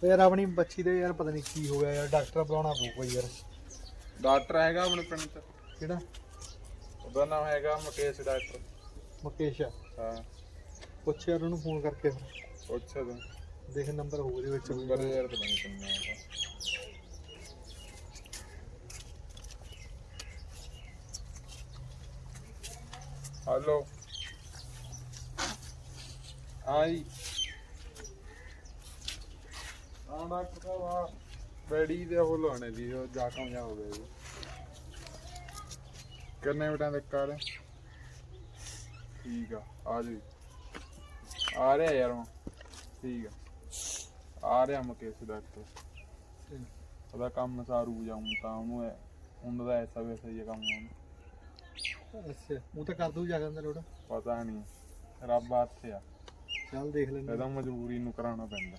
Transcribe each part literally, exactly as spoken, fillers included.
यार अपनी बच्ची दे यार पता नहीं की हो गया यार डॉक्टर बुलाना पਊਗਾ यार डॉक्टर हैगा अपने पिंड च ਕਿਹੜਾ ਉਹਦਾ ਨਾਮ ਹੈਗਾ ਮੁਕੇਸ਼ ਡਾਕਟਰ ਮੁਕੇਸ਼ ਹਾਂ ਪੁੱਛ ਯਾਰ ਉਹਨੂੰ ਫੋਨ ਕਰਕੇ ਫਿਰ ਪੁੱਛ ਤੂੰ ਦੇਖ ਨੰਬਰ ਹੋਊ ਇਹਦੇ ਵਿੱਚ ਨੰਬਰ ਯਾਰ ਪਤਾ ਨਹੀਂ ਕਿੰਨਾ ਹੈਗਾ हेलो आई हाँ डॉक्टर साहब हाँ बैडी दे हो लाने दी हो जा कम जा हो गए कितने मिनटां तक कर ठीक है आ जी आ रहा है यार ठीक है आ रहा मुकेश डॉक्टर ਉਹਦਾ ਕੰਮ ਸਾਰੂ ਜਾऊं ਤਾਂ ਉਹਨੂੰ ਉਹਨਾਂ ਦਾ ਐਸਾ ਵੈਸਾ ਹੀ ਕੰਮ ਹੋਣਾ ਅੱਛਾ ਉਹ ਤਾਂ ਕਰ ਦੂ ਜਾ ਕੇ ਲੋੜ ਪਤਾ ਨਹੀਂ ਰੱਬ ਹੱਥ ਆ ਚੱਲ ਦੇਖ ਲੈਂਦੇ ਇਹਦਾ ਮਜਬੂਰੀ ਨੂੰ ਕਰਾਉਣਾ ਪੈਂਦਾ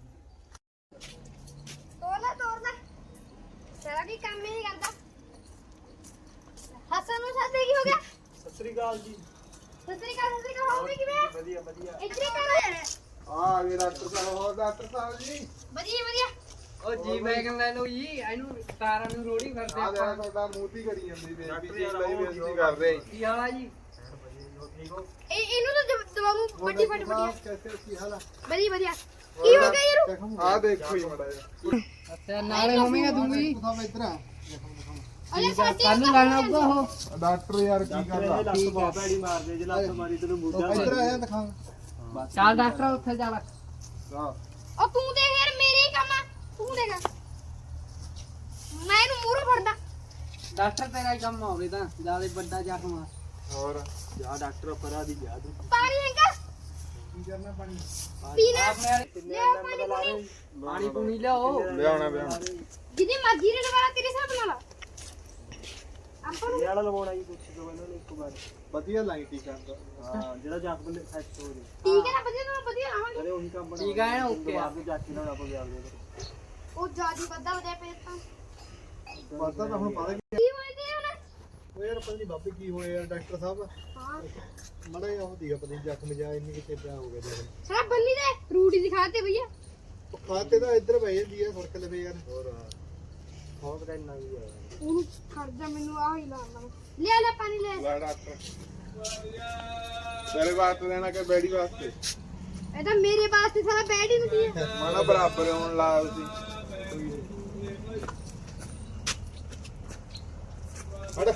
ਤੋਲਾ ਤੋਲਾ ਤੇਰਾ ਵੀ ਕੰਮ ਹੀ ਨਹੀਂ ਕਰਦਾ ਹਸਨ ਨੂੰ ਸਾਥੇ ਕੀ ਹੋ ਗਿਆ ਸਤਿ ਸ੍ਰੀ ਅਕਾਲ ਜੀ ਸਤਿ ਸ੍ਰੀ ਅਕਾਲ ਸਤਿ ਸ੍ਰੀ ਅਕਾਲ ਹੋਵੇ ਕਿਵੇਂ ਵਧੀਆ ਵਧੀਆ ਇੱਥੇ ਕਰ ਆ ਗਏ ਡਾਕਟਰ ਸਾਹਿਬ ਹੋਰ ਡਾਕਟਰ ਸਾਹਿਬ ਜੀ ਵਧੀਆ ਵਧੀਆ ਉਹ ਜੀ ਵੈਗਨ ਲੈ ਲਓ ਜੀ ਇਹਨੂੰ ਤਾਰਾਂ ਨੂੰ ਰੋੜੀ ਕਰਦੇ ਆ ਆਪਾਂ ਤੁਹਾਡਾ ਮੂਤੀ ਕਰੀ ਜਾਂਦੀ ਬੇਇੱਜ਼ਤੀ ਜੀ ਲਈ ਬੇਇੱਜ਼ਤੀ ਕਰ ਰਹੇ ਕੀ ਹਾਲ ਆ ਜੀ ਇਹ ਇਹਨੂੰ ਤਾਂ ਦਵਾਉਂ ਵੱਡੀ ਫਟ ਵਧੀਆ ਕੈਸੇ ਕੀ ਹਾਲ ਆ ਵਧੀਆ ਵਧੀਆ ਕੀ ਹੋ ਗਿਆ ਯਾਰ ਆ ਦੇਖੋ ਹੀ ਮੜਾ ਜਾ ਅੱਛਾ ਨਾਲੇ ਹੋਵੇਂਗਾ ਤੂੰ ਵੀ ਦਿਖਾਓ ਇੱਧਰ ਆ ਅਰੇ ਸਾਡੀ ਕੱਲ ਨੂੰ ਲਾਣਾ ਆਊਗਾ ਉਹ ਡਾਕਟਰ ਯਾਰ ਕੀ ਕਰਦਾ ਠੀਕ ਆ ਇੱਧਰ ਆਇਆ ਦਿਖਾ ਚੱਲ ਡਾਕਟਰ ਉੱਥੇ ਜਾ ਲੈ ਹਾਂ ਉਹ ਤੂੰ ਦੇਖ ਯਾਰ ਮੇਰੇ ਹੀ ਕੰਮ ਆ ਤੂੰ ਦੇਖ ਮੈਂ ਇਹਨੂੰ ਮੂਹਰੋਂ ਫੜਦਾ ਡਾਕਟਰ ਤੇਰਾ ਹੀ ਕੰਮ ਹੋਵੇ ਤਾਂ ਜਿਆਦਾ ਵੱਡਾ ਜ਼ਖਮ ਆ ਹੋਰ ਜਾ ਡਾਕਟਰ ਪਰਾ ਦੀ ਜਾ ਤੂੰ ਪਾਣੀ ਹੈਗਾ ਕੀ ਕਰਨਾ ਪਾਣੀ ਪੀਣਾ ਆਪਣੇ ਵਾਲੇ ਲੈ ਪਾਣੀ ਪੂਣੀ। ਪਾਣੀ ਪੂਣੀ ਲਿਆਓ ਲਿਆਉਣਾ ਲਿਆਉਣਾ ਜਿਹਦੀ ਮਰਜ਼ੀ ਨੇ ਲਵਾਣਾ ਤੇਰੇ ਹਿਸਾਬ ਨਾਲ ਆ ਆਪਾਂ ਨੂੰ ਵਾਲਾ ਲਵਾਉਣਾ ਜੀ ਪੁੱਛ ਦੋ ਇਹਨਾਂ ਨੇ ਇੱਕ ਵਾਰ ਵਧੀਆ ਲਾਈ ਟੀਕਾ ਹਾਂ ਜਿਹੜਾ ਜੱਗ ਬੰਦੇ ਸੈੱਟ ਹੋ ਜੇ ਠੀਕ ਹੈ ਨਾ ਵਧੀਆ ਨਾ ਵਧੀਆ ਆਵਾਂਗੇ ਅਰੇ ਉਹੀ ਕੰਮ ਬਣਾ ਠੀਕ ਆ ਓਕੇ ਆ ਜਾਤੀ ਨਾਲ ਆਪਾਂ ਗਿਆ ਦੇ ਉਹ ਜਿਆਦੀ ਵੱਧਾ ਵਧਿਆ ਪਏ ਤਾਂ ਪਤਾ ਤਾਂ ਹੁਣ ਪਤਾ ਕੀ ਹੋਏ ਤੇ ਹੁਣ ਉਹ ਯਾਰ ਪਤਾ ਨਹੀਂ ਬਾਬੇ ਕੀ ਹੋਇਆ ਯਾਰ ਡਾਕਟਰ ਸਾਹਿਬ ਹਾਂ ਮੜਾ ਜਿਹਾ ਉਹ ਦੀਗਾ ਪਤਾ ਨਹੀਂ ਜ਼ਖਮ ਜਾ ਇੰਨੀ ਕਿਤੇ ਪਿਆ ਹੋ ਗਿਆ ਦੇਖ ਸਾਰਾ ਬੰਨੀ ਦੇ ਰੂਟੀ ਦਿਖਾਤੇ ਭਈਆ ਉਹ ਖਾਤੇ ਤਾਂ ਇੱਧਰ ਪਈ ਜਾਂਦੀ ਆ ਸੜਕ ਲਵੇ ਯਾਰ ਹੋਰ ਬਹੁਤ ਦਾ ਇੰਨਾ ਵੀ ਆ ਉਹਨੂੰ ਖੜ ਜਾ ਮੈਨੂੰ ਆਹ ਹੀ ਲਾਉਣਾ ਲੈ ਲੈ ਪਾਣੀ ਲੈ ਲੈ ਡਾਕਟਰ ਤੇਰੇ ਵਾਸਤੇ ਦੇਣਾ ਕਿ ਬੈੜੀ ਵਾਸਤੇ ਇਹ ਤਾਂ ਮੇਰੇ ਵਾਸਤੇ ਸਾਰਾ ਬੈਡ ਹੀ ਨਹੀਂ ਹੈ ਮਾਣਾ ਬਰਾਬਰ ਹੋਣ ਲਾ ਤੁਸੀਂ ਹਟ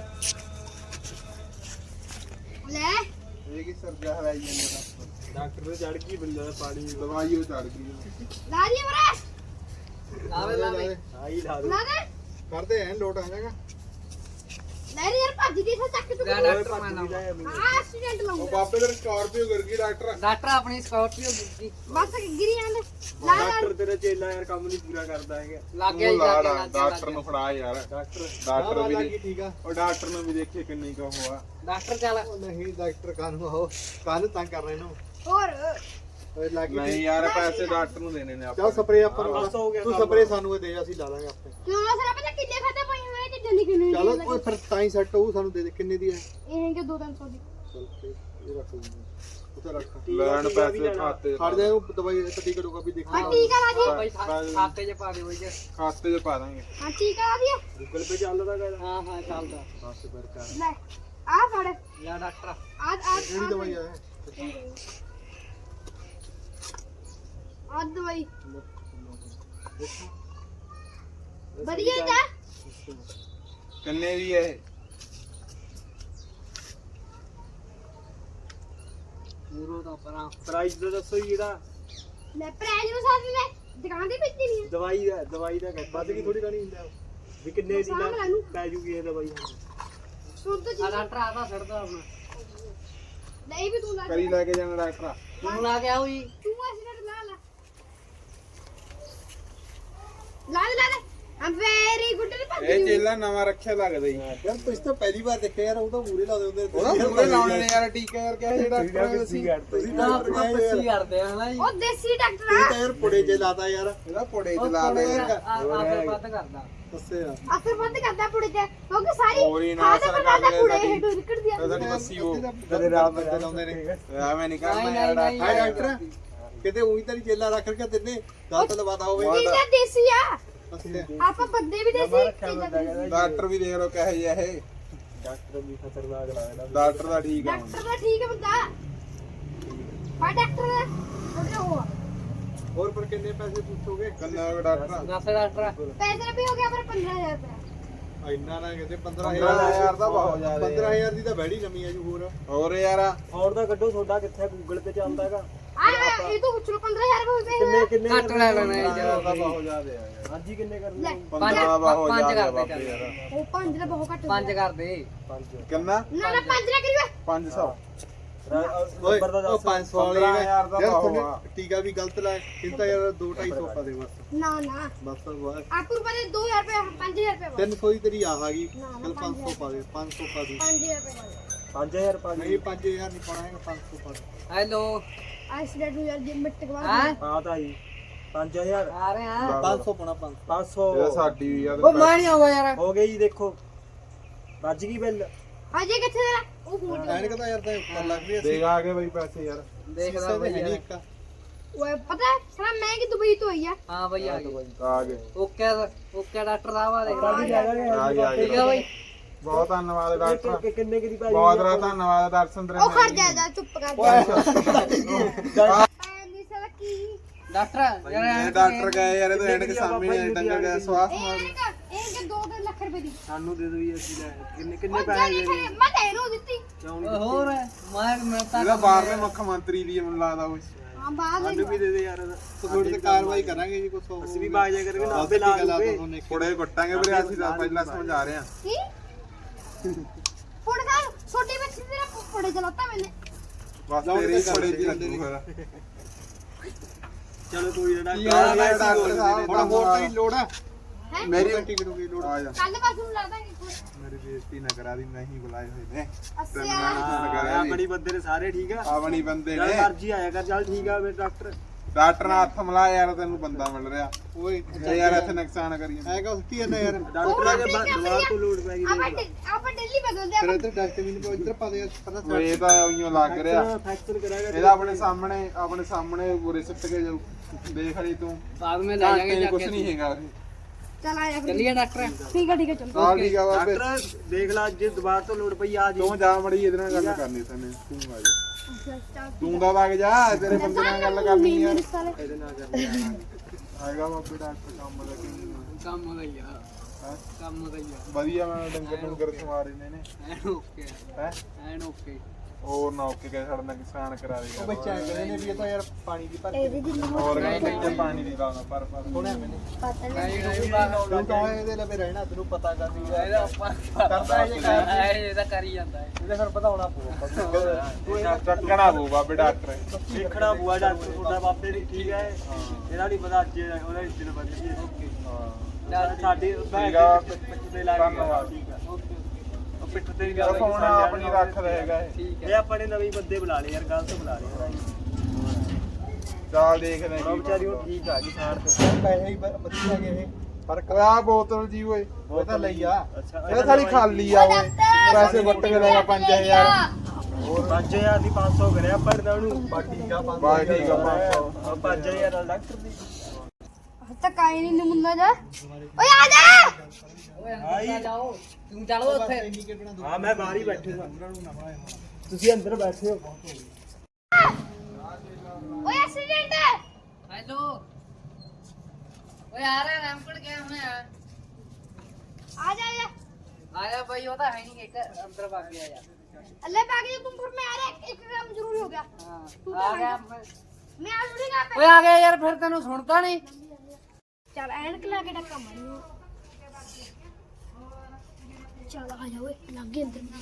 ਲੈ ਇਹ ਕੀ ਸਰਜਾ ਹਵਾਈ ਜਾਂਦਾ ਡਾਕਟਰ ਨੇ ਚੜ ਗਈ ਬੰਦਾ ਦਾ ਪਾਣੀ ਦਵਾਈ ਉਹ ਚੜ ਗਈ ਲਾ ਦੀ ਮਰਾ ਲਾਵੇ ਲਾਵੇ ਆਈ ਲਾ ਲਾ ਦੇ ਕਰਦੇ ਐ ਲੋਟ ਆ ਜਾਏਗਾ ਲੈ ਰੇ ਯਾਰ ਭੱਜ ਦੀ ਚੱਕ ਤੂੰ ਲੈ ਡਾਕਟਰ ਮੈਂ ਲਾਵਾਂ ਆ ਐਕਸੀਡੈਂਟ ਉਹ ਲਾਉਂਦਾ ਬਾਬੇ ਦੇ ਸਕਾਰਪੀਓ ਕਰ ਗਈ ਡਾਕਟਰ ਡਾਕਟਰ ਆਪਣੀ ਸਕਾਰਪੀਓ ਦਿੱਤੀ ਬਸ ਗਿਰੀ ਜਾਂਦੇ ਲਾ ਲਾ ਤੇਰਾ ਚੇਲਾ ਯਾਰ ਕੰਮ ਨਹੀਂ ਪੂਰਾ ਕਰਦਾ ਹੈਗਾ ਲੱਗ ਗਿਆ ਉਹ ਜੀ ਲੱਗ ਲਾ ਗਿਆ ਡਾ- ਲੱਗ ਗਿਆ, ਡਾਕਟਰ ਨੂੰ ਫੜਾ ਯਾਰ ਡਾਕਟਰ ਡਾਕਟਰ ਵੀ ਲੱਗੀ ਠੀਕ ਆ ਉਹ ਡਾਕਟਰ ਨੂੰ ਵੀ ਦੇਖੇ ਕਿੰਨੀ ਕੁ ਹੋਆ ਡਾਕਟਰ ਚੱਲ ਉਹ ਨਹੀਂ ਡਾਕਟਰ ਕਾਨੂੰ ਆਓ ਕਾਨੂੰ ਤੰਗ ਕਰ ਰਹੇ ਨੂੰ ਹੋਰ ਓਏ ਲੱਗੀ ਨਹੀਂ ਯਾਰ ਪੈਸੇ ਡਾਕਟਰ ਨੂੰ ਦੇਣੇ ਨੇ ਆਪਾਂ ਚੱਲ ਸਪਰੇ ਆਪਾਂ ਨੂੰ ਤੂੰ ਸਪਰੇ ਸਾਨੂੰ ਇਹ ਦੇ ਅਸੀਂ ਲਾ ਲਾਂਗੇ ਆਪੇ ਕਿਉਂ ਸਾਰਾ ਪਤਾ ਕਿੱਲੇ ਖਾਤੇ ਪਏ ਹੋਏ ਤੇ ਜੰਨੀ ਕਿੰਨੀ ਚੱਲ ਓਏ ਫਿਰ ਤਾਂ ਹੀ ਸੈੱਟ ਹੋਊ ਸਾਨੂੰ ਦੇ ਦੇ ਕਿੰਨੇ ਦੀ ਹੈ ਇਹ ਕਿ ਦੋ ਤਿੰਨ ਸੌ ਦੀ ਚੱਲ ਤੇ ਇਹ ਰੱਖ ਲੂੰਗਾ ਉੱਤੇ ਰੱਖ ਲੈਣ ਪੈਸੇ ਖਾਤੇ ਖੜ ਜਾ ਉਹ ਦਵਾਈ ਤੇ ਟਿਕਟ ਹੋਗਾ ਵੀ ਦੇਖੋ ਹਾਂ ਠੀਕ ਆ ਲਾ ਦੀ ਬਾਈ ਖਾ- ਖਾਤੇ 'ਚ ਪਾ ਦਿਓ ਜੀ ਖਾਤੇ 'ਚ ਪਾ ਦਾਂਗੇ ਹਾਂ ਠੀਕ ਆ ਲਾ ਦੀ ਗੂਗਲ ਪੇ ਚੱਲਦਾ ਗਾ ਹਾਂ ਹਾਂ ਚੱਲਦਾ ਬਸ ਫਿਰ ਕਰ ਲੈ ਆ ਫੜ ਲੈ ਡਾਕਟਰ ਆ ਆ ਕਿਹੜੀ ਦਵਾਈ ਆ ਆ ਦਵਾਈ ਵਧੀਆ ਜਾ ਕਿੰਨੇ ਦੀ ਹੈ ਪੂਰੋ ਦਾ ਪਰਾਂ ਪ੍ਰਾਈਸ ਦਾ ਦੱਸੋ ਜੀ ਇਹਦਾ ਲੈ ਪ੍ਰਾਈਜ਼ ਨੂੰ ਸਾਥ ਨੇ ਦੁਕਾਨ ਤੇ ਵੇਚੀ ਨਹੀਂ ਦਵਾਈ ਦਾ ਦਵਾਈ ਦਾ ਵੱਧ ਕੀ ਥੋੜੀ ਕਣੀ ਹੁੰਦਾ ਵੀ ਕਿੰਨੇ ਦੀ ਸਾਂਭ ਲੈ ਨੂੰ ਪੈ ਜੂਗੀ ਇਹ ਦਵਾਈ ਸੁਣ ਤਾਂ ਆ ਡਾਕਟਰ ਆਦਾ ਛੱਡਦਾ ਆਪਣਾ ਨਹੀਂ ਵੀ ਤੂੰ ਲਾ ਕਰੀ ਲੈ ਕੇ ਜਾਣਾ ਡਾਕਟਰ ਤੂੰ ਲਾ ਕੇ ਆਓ ਜੀ ਤੂੰ ਐਕਸੀਡੈਂਟ ਲਾ ਲਾ ਲਾ ਦੇ ਲਾ ਦੇ ਆ ਵੈਰੀ ਗੁੱਡ ਨੇ ਭੱਜ ਇਹ ਚੇਲਾ ਨਵਾਂ ਰੱਖਿਆ ਲੱਗਦਾ ਜੀ ਯਾਰ ਤੁਸੀਂ ਤਾਂ ਪਹਿਲੀ ਵਾਰ ਦੇਖਿਆ ਯਾਰ ਉਹ ਤਾਂ ਮੂਰੇ ਲਾ ਦਿੰਦੇ ਉਹਦਾ ਮੂਰੇ ਲਾਉਣੇ ਨੇ ਯਾਰ ਟੀਕਾ ਯਾਰ ਕਿਹਾ ਸੀ ਡਾਕਟਰ ਅਸੀਂ ਤੁਸੀਂ ਨਾ ਆਪਣਾ ਪੱਸੀ ਕਰਦੇ ਆ ਨਾ ਜੀ ਉਹ ਦੇਸੀ ਡਾਕਟਰ ਇਹ ਆ ਤਾਂ ਯਾਰ ਪੁੜੇ ਜੇ ਲਾਤਾ ਯਾਰ ਇਹਦਾ ਪੋੜੇ ਉਹ ਚ ਲਾ ਦੇ ਥੋੜ੍ਹਾ ਜਿਹਾ ਆ- ਆਸੇ ਵੱਧ ਕਰਦਾ ਦੱਸੇ ਆ ਅਸਰ ਬੰਦ ਕਰਦਾ ਪੁੜੇ ਤੇ ਕਿਉਂਕਿ ਸਾਰੀ ਹੋਰ ਹੀ ਨਾ ਅਸਰ ਕਰਦਾ ਕਰਦੇ ਪੁੜੇ ਸਾਡੀ- ਹੇਠੋਂ ਨਿਕਲਦੀ ਆ ਸਾਡੀ ਬੱਸੀ ਉਹ ਤੇਰੇ ਰਾਤ ਬੰਦੇ ਲਾਉਂਦੇ ਨੇ ਐਵੇਂ ਨਹੀਂ ਨਹੀਂ ਕਰਨਾ ਨਹੀਂ ਯਾਰ ਨਹੀਂ ਹਾਏ ਡਾਕਟਰ ਕਿਤੇ ਉਹੀ ਤਾਂ ਨਹੀਂ ਚੇਲਾ ਰੱਖ ਕੇ ਤਿੰਨੇ ਗਲਤ ਲਵਾਤਾ ਹੋਵੇ ਕਿਹਦਾ ਦੇਸੀ ਆ ਅੱਛਾ ਆਪਾਂ ਬੰਦੇ ਵੀ ਦੇਸੀ ਡਾਕਟਰ ਵੀ ਦੇਖ ਲੋ ਕਹੇ ਜਿਹਾ ਇਹ ਡਾਕਟਰ ਵੀ ਖਤਰਨਾਕ ਲੱਗਦਾ ਡਾਕਟਰ ਦਾ ਠੀਕ ਆ ਡਾਕਟਰ ਦਾ ਠੀਕ ਹੈ ਬੰਦਾ ਆ ਡਾਕਟਰ ਦਾ ਉਹਦੇ ਉਹ ਆ। ਹੋਰ ਪਰ ਕਿੰਨੇ ਪੈਸੇ ਪੁੱਛੋਗੇ ਕੰਨਾ ਡਾਕਟਰ ਦੱਸ ਡਾਕਟਰ ਪੈਸੇ ਵੀ ਹੋ ਗਿਆ ਪਰ ਪੰਦਰਾਂ ਹਜ਼ਾਰ ਰੁਪਏ ਇੰਨਾ ਨਾ ਕਹਿੰਦੇ ਪੰਦਰਾਂ ਪੰਦਰਾਂ ਹਜ਼ਾਰ ਦਾ ਬਹੁਤ ਜ਼ਿਆਦਾ ਪੰਦਰਾਂ ਹਜ਼ਾਰ ਦੀ ਤਾਂ ਬੈੜੀ ਨਵੀਂ ਆ ਜੀ ਹੋਰ ਹੋਰ ਯਾਰ ਹੋਰ ਤਾਂ ਕੱਢੋ ਤੁਹਾਡਾ ਕਿੱਥੇ ਗੂਗਲ ਤੇ ਚੱਲਦਾ ਹੈਗਾ ਆ ਇਹ ਤੋਂ ਪੁੱਛ ਲੋ ਪੰਦਰਾਂ ਹਜ਼ਾਰ ਰੁਪਏ ਹੋਏ ਕਿੰਨੇ ਘੱਟ ਲੈ ਲੈਣਾ ਇਹ ਦਾ ਜਰਾ ਬਹੁਤ ਜ਼ਿਆਦਾ ਆ ਯਾਰ ਹਾਂਜੀ ਕਿੰਨੇ ਕਰਨੇ ਲੈ ਪੰਦਰਾਂ ਦਾ ਬਹੁਤ ਪੰਜ ਜ਼ਿਆਦਾ ਕਰਦੇ ਬਾਪੇ ਚੱਲ। ਯਾਰ ਉਹ ਪੰਜ ਦਾ ਬਹੁਤ ਘੱਟ ਪੰਜ ਕਰ ਦੇ ਪੰਜ ਕਿੰਨਾ ਨਾ ਨਾ ਪੰਜ ਨਾ ਕਰੀਏ ਪੰਜ ਸੌ ਓਏ ਉਹ ਪੰਜ ਸੌ ਵਾਲੀ ਪੰਦਰਾਂ ਹਜ਼ਾਰ ਦਾ ਯਾਰ ਭਾਅ ਤੁਹਾਨੂੰ ਆ। ਟੀਕਾ ਵੀ ਗਲਤ ਲਾਇਆ ਇਹ ਤਾਂ ਯਾਰ ਦੋ ਢਾਈ ਸੌ ਪਾ ਦੇ ਬਸ ਨਾ ਨਾ ਬਸ ਬਸ ਆਪੂ ਰੁਪਏ ਦੋ ਹਜ਼ਾਰ ਰੁਪਏ ਪੰਜ ਹਜ਼ਾਰ ਰੁਪਏ ਤਿੰਨ ਸੌ ਦੀ ਤੇਰੀ ਆ ਗਈ ਨਾ, ਨਾ, ਚਲ ਪੰਜ ਸੌ ਪਾ ਦੇ ਪੰਜ ਸੌ ਪਾ ਦੇ ਪੰਜ ਹਜ਼ਾਰ ਰੁਪਏ ਪੰਜ ਹਜ਼ਾਰ ਪਾ ਦੇ ਨਹੀਂ ਪੰਜ ਹਜ਼ਾਰ ਨਹੀਂ ਪਾਣਾ ਹੈਗਾ ਪੰਜ ਸੌ ਪਾ ਦੇ ਹੈਲੋ ਐਕਸੀਡੈਂਟ ਹੋ ਜਾ ਮਿੰਟ ਕੇ ਹਾਂ ਬਾਅਦ ਹਾਂ ਤਾਂ ਜੀ ਪੰਜ ਹਜ਼ਾਰ ਆ ਰਹੇ ਆ ਪੰਜ ਸੌ ਪਾਣਾ ਪੰਜ ਸੌ ਇਹ ਸਾਡੀ ਵੀ ਆ ਉਹ ਮੈਂ ਨਹੀਂ ਆਉਂਦਾ ਯਾਰ ਹੋ ਗਈ ਜੀ ਦੇਖੋ ਵੱਜ ਗਈ ਬਿੱਲ ਅਜੇ ਕਿੱਥੇ ਤੇਰਾ ਉਹ ਫੋਨ ਐਨਕ ਤਾਂ ਯਾਰ ਤਾਂ ਉੱਪਰ ਲੱਗ ਰਹੀ ਦੇਖ ਆ ਗਏ ਬਈ ਪੈਸੇ ਯਾਰ ਦੇਖਦਾ ਬਈ ਯਾਰ ਓਏ ਪਤਾ ਹੈ ਸਾਲਾ ਮੈਂ ਕਿ ਦੁਬਈ ਤੋਂ ਆਈ ਆ ਹਾਂ ਬਈ ਆ ਗਏ ਆ ਗਏ ਓਕੇ ਓਕੇ ਡਾਕਟਰ ਸਾਹਿਬ ਆ ਦੇਖ ਆ ਗਏ ਆ ਠੀਕ ਗਏ ਆ ਬਈ ਬਹੁਤ ਧੰਨਵਾਦ ਡਾਕਟਰ ਕਿੰਨੇ ਕੀ ਦੀ ਭਾਈ ਬਹੁਤ ਬਹੁਤ ਧੰਨਵਾਦ ਦਰਸ਼ਨ ਤੇਰੇ ਉਹ ਖੜ ਜਾ ਜਾ ਚੁੱਪ ਕਰ ਜਾ ਐਨੀ ਸਾਲਾ ਕੀ ਡਾਕਟਰ ਯਾਰ ਇਹ ਡਾਕਟਰ ਗਏ ਯਾਰ ਇਹ ਤਾਂ ਐਨਕ ਸਾਹਮਣੇ ਡੰਗਰ ਗਿਆ ਸਵਾਸ ਇਹ ਮਾਰ ਐਨਕ ਇਹ ਕਿ ਦੋ ਤਿੰਨ ਲੱਖ ਰੁਪਏ ਦੀ ਸਾਨੂੰ ਦੇ ਦੋ ਅਸੀਂ ਲੈ ਕਿੰਨੇ ਉਹ ਜਾਨੀ ਖਰੇ ਮੈਂ ਤਾਂ ਇਹਨੂੰ ਦਿੱਤੀ ਹੋਰ ਮੈਂ ਮੈਂ ਤਾਂ ਇਹਦਾ ਬਾਹਰਲੇ ਮੁੱਖ ਮੰਤਰੀ ਦੀ ਮੈਨੂੰ ਲੱਗਦਾ ਕੁਝ ਹਾਂ ਬਾਅਦ ਵਿੱਚ ਦੇ ਦੇ ਯਾਰ ਤੁਹਾਡੇ ਤੇ ਕਾਰਵਾਈ ਕਰਾਂਗੇ ਜੀ ਕੁਛ ਅਸੀਂ ਵੀ ਬਾਜ ਜਾ ਕਰਕੇ ਨਾਭੇ ਲਾ ਲੂਗੇ ਥੋੜੇ ਗੁੱਟਾਂਗੇ ਵੀਰੇ ਅਸੀਂ ਤਾਂ ਪਹਿਲਾਂ ਸਮਝਾ ਰਹੇ ਹਾਂ ਕੀ ਫੋੜ ਕਰ ਛੋਟੀ ਬੱਚੀ ਤੇਰਾ ਫੋੜੇ ਚਲਾਤਾ ਮੈਨੇ ਬਸ ਤੇਰੇ ਹੀ ਥੋੜੇ ਜਿਹੀ ਲੱਗੂ ਫਿਰ ਚਲੋ ਕੋਈ ਨਾ ਯਾਰ ਇਹ ਡਾਕਟਰ ਸਾਹਿਬ ਹੁਣ ਹੋਰ ਤਾਂ ਹੀ ਲੋੜ ਆ ਹੈ ਮੇਰੀ ਟਿਕਟ ਹੋ ਗਈ ਲੋੜ ਆ ਜਾ ਕੱਲ ਪਾਸੋਂ ਨੂੰ ਲੱਗਦਾ ਕਿ ਮੇਰੀ ਬੇਇੱਜ਼ਤੀ ਨਾ ਕਰਾ ਦੀ ਨਹੀਂ ਬੁਲਾਏ ਹੋਏ ਨੇ ਅੱਸੀ ਆਪਣੀ ਬੰਦੇ ਨੇ ਸਾਰੇ ਠੀਕ ਆ ਆਪਣੀ ਬੰਦੇ ਜਦ ਨੇ ਮਰਜੀ ਆਇਆ ਕਰ ਚੱਲ ਠੀਕ ਆ ਵੇ ਡਾਕਟਰ ਡਾਕਟਰ ਨਾਲ ਹੱਥ ਮਿਲਾ ਯਾਰ ਤੈਨੂੰ ਬੰਦਾ ਮਿਲ ਰਿਹਾ ਓਏ ਤੇ ਯਾਰ ਇੱਥੇ ਨੁਕਸਾਨ ਕਰੀ ਜਾਂਦਾ ਹੈਗਾ ਉਸਤੀ ਜਾਂਦਾ ਯਾਰ ਡਾਕਟਰ ਆ ਕੇ ਦਵਾਰ ਤੋਂ ਲੋੜ ਪੈ ਗਈ ਆਪਾਂ ਡੇ- ਆਪਾਂ ਡੇਲੀ ਬਦਲਦੇ ਫਿਰ ਆਪਾਂ ਇੱਧਰ ਡਾਕਟਰ ਵੀ ਨਹੀਂ ਇੱਧਰ ਪਾ ਦੇ ਪਤਾ ਉਹ ਇਹ ਤਾਂ ਉਈਓ ਲੱਗ ਰਿਹਾ ਫ੍ਰੈਕਚਰ ਕਰਾਏਗਾ ਇਹਦਾ ਆਪਣੇ ਸਾਹਮਣੇ ਆਪਣੇ ਸਾਹਮਣੇ ਬੁਰੇ ਸਿੱਟ ਕੇ ਜਾਊ ਦੇਖ ਲਈ ਤੂੰ ਬਾਅਦ ਵਿੱਚ ਲੈ ਜਾਗੇ ਜਾ ਕੁਝ ਕੇ ਨਹੀਂ ਹੈਗਾ ਉਰੇ। ਚਲ ਆਇਆ ਫਿਰ ਚੱਲੀਏ ਡਾਕਟਰ ਠੀਕ ਹੈ ਠੀਕ ਹੈ ਚਲੋ ਹਾਂ ਠੀਕ ਆ ਬਾਬੇ ਡਾਕਟਰ ਦੇਖ ਲੈ ਜੇ ਦੁਬਾਰ ਤੋਂ ਲੋੜ ਪਈ ਆ ਜੀ ਤੂੰ ਜਾ ਮੜੀ ਇਹਦੇ ਨਾਲ ਗੱਲ ਕਰਨੀ ਤੈਨੂੰ ਤੂੰ ਆ ਜਾ ਅੱਛਾ ਚੱਲ ਤੂੰ ਦਾ ਵਗ ਜਾ ਤੇਰੇ ਬੰਦੇ ਨਾਲ ਗੱਲ ਕਰਨੀ ਆ ਮੇਰੇ ਸਾਲੇ ਇਹਦੇ ਨਾਲ ਕਰਨੀ ਹੈਗਾ ਬਾਬੇ ਡਾਕਟਰ ਕੰਮ ਦਾ ਕੀ ਕੰਮ ਦਾ ਹੀ ਆ ਹੈ ਕੰਮ ਦਾ ਹੀ ਆ ਵਧੀਆ ਮੈਂ ਡੰਗਰ ਡੰਗਰ ਸਮਾਰ ਇਹਨੇ ਨੇ ਐਨ ਓਕੇ ਹੈ ਐਨ ਓਕੇ ਹੋਰ ਨਾ ਓਕੇ ਕੇ ਸਾਡਾ ਕਿਸਾਨ ਕਰਾ ਉਹ ਦੇਗਾ ਬੱਚਾ ਕਹਿੰਦੇ ਨੇ ਵੀ ਇਹ ਤਾਂ ਯਾਰ ਪਾਣੀ ਦੀ ਭਰ ਇਹਦੀ ਜਿੰਨੀ ਹੋਰ ਕਹਿੰਦੇ ਪਾਣੀ ਦੀ ਲਾਉਣਾ ਪਰ ਪਰ ਹੋਣਾ ਮੈਨੇ ਪਤਾ ਨਹੀਂ ਨਹੀਂ ਨਹੀਂ ਬਾਹਰ ਤੂੰ ਤਾਂ ਇਹਦੇ ਲਵੇ ਰਹਿਣਾ ਤੈਨੂੰ ਪਤਾ ਕਰਦੀ ਇਹਦਾ ਉੱਪਰ ਕਰਦਾ ਇਹ ਕੰਮ ਇਹ ਇਹਦਾ ਕਰ ਹੀ ਜਾਂਦਾ ਹੈ ਇਹਦੇ ਫਿਰ ਵਧਾਉਣਾ ਪਊਗਾ ਤੂੰ ਚੱਕਣਾ ਪਊ ਬਾਬੇ ਡਾਕਟਰ ਦੇਖਣਾ ਬੂਆ ਡਾਕਟਰ ਤੁਹਾਡਾ ਬਾਪੇ ਦੀ ਠੀਕ ਹੈ ਇਹਦਾ ਨਹੀਂ ਪਤਾ ਅੱਜ ਉਹਦਾ ਇਸ ਦਿਨ ਬਦਲੀ ਓਕੇ ਹਾਂ ਸਾਡੀ ਠੀਕ ਆ ਪਿੱਠ ਤੇ ਲਾ ਧੰਨਵਾਦ। ਠੀਕ ਆ ਉਹ ਪਿੱਠ ਤੇ ਵੀ ਚਲੋ ਫੋਨ ਆਪਣੀ ਰੱਖ ਰਹੇਗਾ ਇਹ ਠੀਕ ਇਹ ਆਪਾਂ ਨੇ ਨਵੇਂ ਬੰਦੇ ਬੁਲਾ ਲਏ ਯਾਰ ਗਲਤ ਬੁਲਾ ਲਏ ਚੱਲ ਦੇਖਦੇ ਉਹ ਹਾਂ ਵਿਚਾਰੀ ਉਹ ਠੀਕ ਆ ਗਈ ਸਾੜ ਤੇ ਪੈਸੇ ਹੀ ਵਧੀਆ ਗਏ ਇਹ ਫਰਕ ਆ ਬੋਤਲ ਜੀ ਓਏ ਉਹ ਤਾਂ ਲਈ ਆ ਅੱਛਾ ਇਹ ਸਾਲੀ ਖਾਲੀ ਆ ਓਏ ਪੈਸੇ ਵੱਟ ਕੇ ਲੈਣਾ ਪੰਜ ਹਜ਼ਾਰ ਹੋਰ ਪੰਜ ਹਜ਼ਾਰ ਦੀ ਪੰਜ ਸੌ ਕਰਿਆ ਪੜਦਾ ਉਹਨੂੰ ਬਾ ਠੀਕ ਆ ਬਾ ਠੀਕ ਆ ਪੰਜ ਸੌ ਪੰਜ ਹਜ਼ਾਰ ਨਾਲ ਡਾਕਟਰ ਦੀ ਤੱਕ ਆਈ ਨਹੀਂ ਨਮੁੰਨਾ ਜਾ ਓਏ ਆ ਜਾ ਓਏ ਅੰਦਰ ਜਾਓ ਤੂੰ ਚਲੋ ਉੱਥੇ ਹਾਂ ਮੈਂ ਬਾਹਰ ਹੀ ਬੈਠੇ ਹਾਂ ਤੁਸੀਂ ਅੰਦਰ ਬੈਠੇ ਹੋ ਓਏ ਐਕਸੀਡੈਂਟ ਹੈਲੋ ਓਏ ਆ ਰਿਹਾ ਰੈਂਪੜ ਗਿਆ ਮੈਂ ਆ ਆ ਜਾ ਆ ਜਾ ਆਇਆ ਭਾਈ ਉਹ ਤਾਂ ਹੈ ਨਹੀਂ ਇੱਕ ਅੰਦਰ ਵਗ ਗਿਆ ਯਾਰ अल्लाह बाकी तुम फिर मैं आ रहा एक काम जरूरी हो गया ਹਾਂ ਆ ਗਿਆ मैं आ जरूरी का ਓਏ ਆ ਗਿਆ ਯਾਰ ਫਿਰ ਤੈਨੂੰ ਸੁਣਦਾ ਨਹੀਂ चल एनक ला के डक्का मारी चल आ जा ओए लग गए अंदर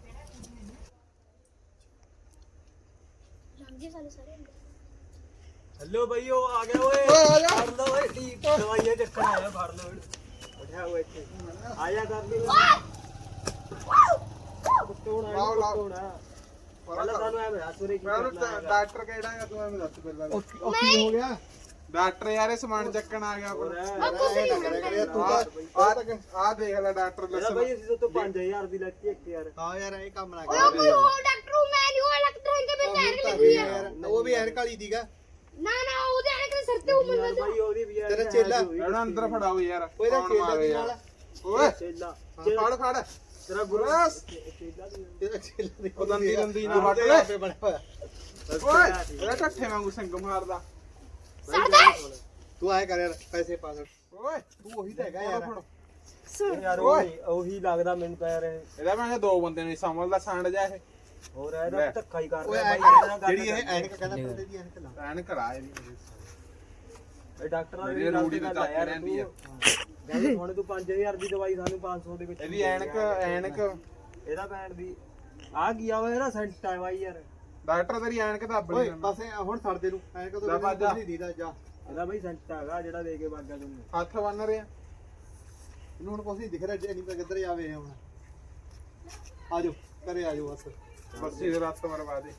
लग गए साले सारे अंदर हेलो भाई ओ आ गया ओए फड़ लो ओए ठीक दवाइयां चक्कर आया फड़ लो बैठा हुआ ਇੱਥੇ आया कर ली ਕੁੱਟੋਣਾ ਕੁੱਟੋਣਾ ਪਹਿਲਾਂ ਸਾਨੂੰ ਐ ਬਤਾ ਸੋਰੇ ਕੀ ਕਰਨਾ ਡਾਕਟਰ ਕਿਹੜਾ ਹੈ ਤੂੰ ਐਵੇਂ ਦੱਸ ਪਹਿਲਾਂ ਉਹ ਕੀ ਹੋ ਗਿਆ ਡਾਕਟਰ ਯਾਰ ਇਹ ਸਮਾਨ ਚੱਕਣ ਆ ਗਿਆ ਪਰ ਤੂੰ ਆ ਆ ਦੇਖ ਲੈ ਡਾਕਟਰ ਇਹਦਾ ਦੱਸ ਭਾਈ ਅਸੀਂ ਤੋਂ ਪੰਜ ਹਜ਼ਾਰ ਦੀ ਲੈਤੀ ਇੱਕ ਯਾਰ ਹਾਂ ਯਾਰ ਇਹ ਕੰਮ ਨਾ ओए कोई हो डॉक्टर हूं मैं नहीं हूं डॉक्टर है के बिना एनक लगी है ਯਾਰ ਉਹ ਵੀ ਐਨਕ ਵਾਲੀ ਦੀਗਾ ਨਾ ਨਾ ਉਹਦੇ ਆਣੇ ਕਿ ਸਿਰ ਤੇ ਉਮਰ ਯਾਰ ਬਾਈ ਉਹਦੀ ਵੀ ਯਾਰ ਤੇਰਾ ਚੇਲਾ। ਇਹਨੂੰ ਅੰਦਰ ਫੜਾਓ ਯਾਰ ਉਹਦਾ ਕੌਣ ਚੇਲਾ ਮਾਰੇ ਦੇ ਯਾਰ। ਨਾਲ ਓਏ ਚੇਲਾ ਫੜ ਫੜ ਤੇਰਾ ਗੁਰੂ ਬਸ। ਚੇਲਾ ਦੀ ਤੇਰਾ ਚੇਲਾ ਦੇ ਉਹ ਦੰਦੀ ਦੰਦੀ ਨਾ ਵੱਟ ਉਹਦੇ ਲੈ ਆਪੇ ਬਣਿਆ ਹੋਇਆ। ਓਏ ਇਹਦਾ ਠੱਠੇ ਵਾਂਗੂ ਸੰਗ ਮਾਰਦਾ ਸਰਦਾਰ ਤੂੰ ਆਏ ਕਰ ਯਾਰ ਪੈਸੇ ਪਾ ਦੇ ਓਏ ਤੂੰ ਉਹੀ ਤਾਂ ਹੈਗਾ ਯਾਰ ਸੁਣ ਯਾਰ ਉਹੀ ਉਹੀ ਲੱਗਦਾ ਮੈਨੂੰ ਤਾਂ ਯਾਰ ਇਹ। ਇਹਦਾ ਮੈਂ ਕਿਹਾ ਦੋ ਬੰਦੇ ਨੇ ਸਮਝਦਾ ਸਾਂਡ ਜਾ ਇਹ ਹੋਰ ਇਹਦਾ ਧੱਕਾ ਹੀ ਕਰ ਓਏ ਰਿਹਾ ਐ ਬਾਈ ਇਹਦੇ ਨਾਲ ਕਰ ਗੱਲ ਜਿਹੜੀ ਇਹ ਕਰਨੀ। ਐਨਕ ਕਹਿੰਦਾ ਬੰਦੇ ਦੀ ਐਨਕ ਲਾ ਐਨ ਕਰਾ ਇਹਦੀ ਇਹ ਡਾਕਟਰਾਂ ਮੇਰੀ ਦੀ ਗੱਲ ਰੂੜੀ ਤੇ ਤੇ ਗੱਲ ਆ ਯਾਰ ਰਹਿੰਦੀ ਆ। ਤੂੰ ਗੱਲ ਹੁਣ ਤੂੰ ਪੰਜ ਹਜ਼ਾਰ ਦੀ ਦਵਾਈ ਸਾਨੂੰ ਪੰਜ ਸੌ ਦੇ ਵਿੱਚ ਇਹਦੀ ਐਨਕ ਐਨਕ ਇਹਦਾ ਭੈਣ ਦੀ ਆ ਕੀ ਆ ਓਏ ਇਹਦਾ ਸੈਂਟ ਆ ਬਾਈ ਯਾਰ ਡਾਕਟਰ ਤੇਰੀ ਐਨਕ ਦੱਬ ਓਏ ਲਈ ਪਾਸੇ ਹੁਣ ਛੱਡ ਦੇ ਨੂੰ ਐਨਕ ਤੋਂ ਲੈ ਬਿਨਾਂ ਭੱਜ ਜਾ। ਕੁਛ ਨਹੀਂ ਦੀਦਾ ਜਾ ਇਹਦਾ ਬਾਈ ਸੈਂਟ ਹੈਗਾ ਜਿਹੜਾ ਦੇ ਕੇ ਬਾਗਾ ਤੈਨੂੰ ਹੱਥ ਬੰਨ ਰਿਹਾ ਇਹਨੂੰ ਹੁਣ ਕੁਛ ਨਹੀਂ ਦਿਖ ਰਿਹਾ ਨਹੀਂ ਤਾਂ ਕਿੱਧਰ ਜਾਵੇ ਇਹ ਹੁਣ ਆਜੋ ਘਰੇ ਆਜੋ ਬਸ ਬੱਸੀ ਦੇ ਰੱਤ ਮਰਵਾ ਦੇ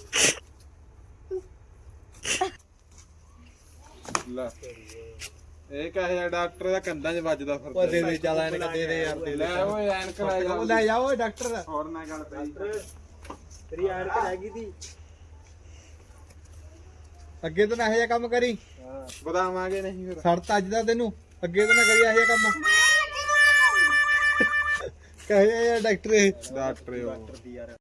ਲੈ ਇਹ ਕਹੇ ਡਾਕਟਰ ਦਾ ਕੰਧਾਂ 'ਚ ਵੱਜਦਾ ਫਿਰਦਾ ਉਹ ਦੇ ਦੇ ਚੱਲ ਐਨਕ ਦੇ ਦੇ ਯਾਰ ਦੇ ਲੈ ਓਏ ਐਨਕ ਲੈ ਜਾ ਲੈ ਜਾ ਓਏ ਡਾਕਟਰ ਹੋਰ ਨਾ ਗੱਲ ਪਈ ਤੇਰੀ ਐਨਕ ਰਹਿ ਗਈ ਤੀ ਅੱਗੇ ਤੋਂ ਨਾ ਇਹੋ ਜਿਹਾ ਕੰਮ ਕਰੀ ਬਦਾਵਾਂਗੇ ਨਹੀਂ ਫਿਰ ਸੜਤ ਅੱਜ ਦਾ ਤੈਨੂੰ ਅੱਗੇ ਤੋਂ ਨਾ ਕਰੀ ਇਹੋ ਜਿਹਾ ਕੰਮ ਕਹੇ ਯਾਰ ਡਾਕਟਰ ਇਹ ਡਾਕਟਰ ਉਹ ਦੀ ਯਾਰ